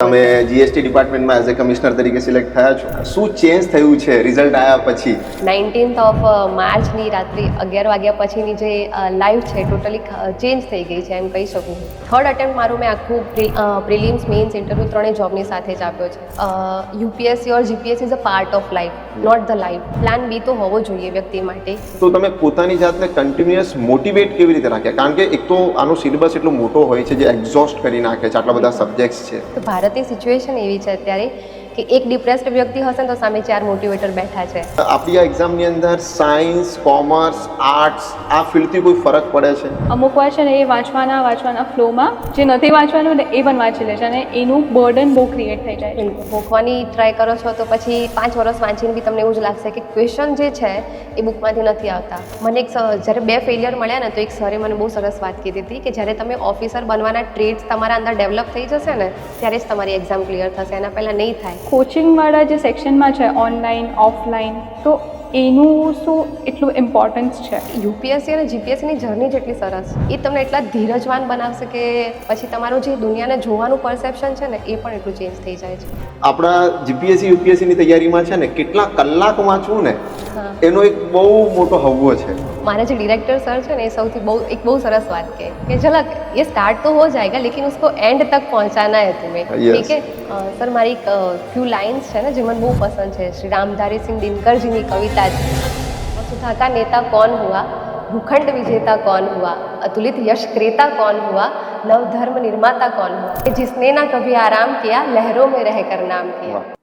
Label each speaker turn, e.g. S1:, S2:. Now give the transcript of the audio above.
S1: તમે જીએસટી ડિપાર્ટમેન્ટમાં as a commissioner તરીકે સિલેક્ટ થયા છો, શું ચેન્જ થયું છે રિઝલ્ટ આવ્યા પછી?
S2: 19th ઓફ માર્ચની રાત્રે 11 વાગ્યા પછીની જે લાઈફ છે ટોટલી ચેન્જ થઈ ગઈ છે એમ કહી શકું. થર્ડ અટેમ્પ્ટ મારું મેં આખું પ્રિલિમ્સ મેઇન્સ ઇન્ટરવ્યૂ ત્રણેય જોબની સાથે જ આપ્યો છે. UPSC or GPSC is a part of life, not the life. Plan B તો હોવો જોઈએ વ્યક્તિ માટે.
S1: તો તમે પોતાની જાતને કન્ટિન્યુઅસ મોટિવેટ કેવી રીતે રાખ્યા? કારણ કે એક તો આનો સિલેબસ એટલો મોટો હોય છે જે એક્ઝોસ્ટ કરી નાખે છે, આટલા બધા સબ્જેક્ટ્સ છે.
S2: તો ભારતની સિચ્યુએશન એવી છે અત્યારે કે એક ડિપ્રેસ્ડ વ્યક્તિ હશે ને તો સામે 4 મોટિવેટર બેઠા છે.
S1: આપણી આ એક્ઝામની અંદર સાયન્સ, કોમર્સ, આર્ટ્સ આ ફિલ્ડથી કોઈ ફરક પડે છે?
S3: અમુક વાર છે ને એ વાંચવાના ફ્લોમાં જે નથી વાંચવાનું ને એ પણ વાંચી લે છે અને એનું બર્ડન બહુ ક્રિએટ થઈ જાય છે.
S2: ભોખવાની ટ્રાય કરો છો તો પછી 5 વર્ષ વાંચીને બી તમને એવું જ લાગશે કે ક્વેશ્ચન જે છે એ બુકમાંથી નથી આવતા. મને જ્યારે 2 ફેલિયર મળ્યા ને તો એક સરે મને બહુ સરસ વાત કીધી હતી કે જ્યારે તમે ઓફિસર બનવાના ટ્રેડ્સ તમારા અંદર ડેવલપ થઈ જશે ને ત્યારે જ તમારી એક્ઝામ ક્લિયર થશે, એના પહેલાં નહીં થાય.
S3: કોચિંગવાળા જે સેક્શનમાં છે ઓનલાઈન ઓફલાઈન, તો એનું શું એટલું ઇમ્પોર્ટન્સ છે?
S2: યુપીએસસી અને જીપીએસસીની જર્ની જેટલી સરસ, એ તમને એટલા ધીરજવાન બનાવશે કે પછી તમારું જે દુનિયાને જોવાનું પરસેપ્શન છે ને એ પણ એટલું ચેન્જ થઈ જાય છે.
S1: આપણા જીપીએસસી યુપીએસસીની તૈયારીમાં છે ને કેટલા કલાક વાંચવું ને એનો એક બહુ મોટો હવ્વો છે.
S2: મારા જે ડિરેક્ટર સર છે ને એ સૌથી બહુ સરસ વાત કે ઝલક ये स्टार्ट तो हो जाएगा लेकिन उसको एंड तक पहुंचाना है तुम्हें. ठीक है सर, मारी एक फ्यू लाइन्स है ना जो મને બહુ પસંદ છે. શ્રી રામધારી સિંહ દિનકરજીની કવિતા છે. वसुधा का नेता कौन हुआ, भूखंड विजेता कौन हुआ, अतुलित यश क्रेता कौन हुआ, नव धर्म निर्माता कौन हुआ, जिसने ना कभी आराम किया लहरों में रहकर नाम किया.